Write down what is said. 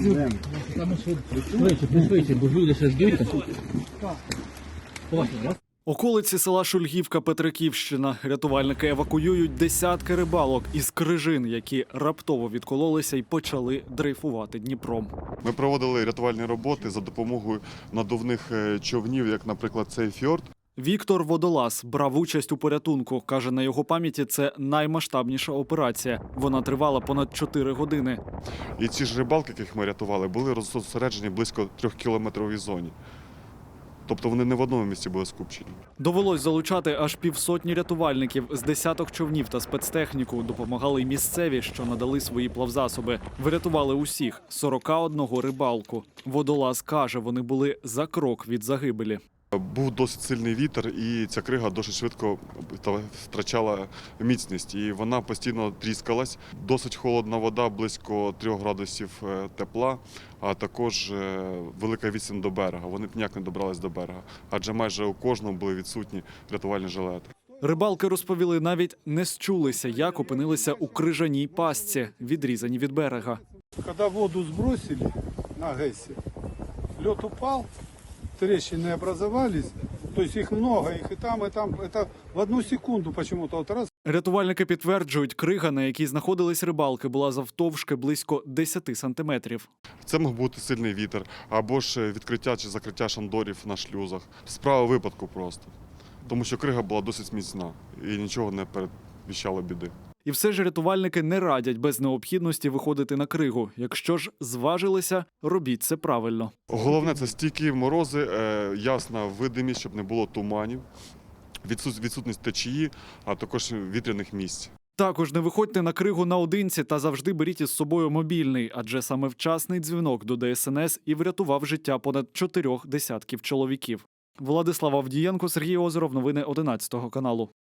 Швидше, бо люди ще ждуть. Околиці села Шульгівка, Петриківщина. Рятувальники евакуюють десятки рибалок із крижин, які раптово відкололися і почали дрейфувати Дніпром. Ми проводили рятувальні роботи за допомогою надувних човнів, як, наприклад, цей фьорд. Віктор Водолаз брав участь у порятунку. Каже, на його пам'яті це наймасштабніша операція. Вона тривала понад 4 години. І ці ж рибалки, яких ми рятували, були розсереджені близько 3-кілометровій зоні. Тобто вони не в одному місці були скупчені. Довелось залучати аж півсотні рятувальників з десяток човнів та спецтехніку. Допомагали й місцеві, що надали свої плавзасоби. Врятували усіх – 41 рибалку. Водолаз каже, вони були за крок від загибелі. Був досить сильний вітер, і ця крига досить швидко втрачала міцність. І вона постійно тріскалась. Досить холодна вода, близько 3 градусів тепла, а також велика відстань до берега. Вони ніяк не добрались до берега, адже майже у кожному були відсутні рятувальні жилети. Рибалки розповіли, навіть не счулися, як опинилися у крижаній пастці, відрізані від берега. Когда воду сбросили на ГЭСе, лед упал, трещины образовались, то есть их много, их и там, это в одну секунду почему-то вот раз. Рятувальники підтверджують, крига, на якій знаходились рибалки, була завтовшки близько 10 сантиметрів. Це мог бути сильний вітер, або ж відкриття чи закриття шандорів на шлюзах. Справа випадку просто, тому що крига була досить міцна і нічого не передвіщало біди. І все ж рятувальники не радять без необхідності виходити на кригу. Якщо ж зважилися, робіть це правильно. Головне – це стійкі морози, ясна видимість, щоб не було туманів, відсутність течії, а також вітряних місць. Також не виходьте на кригу наодинці та завжди беріть із собою мобільний, адже саме вчасний дзвінок до ДСНС і врятував життя понад 4 десятків чоловіків. Владислав Авдієнко, Сергій Озеров. Новини 11 каналу.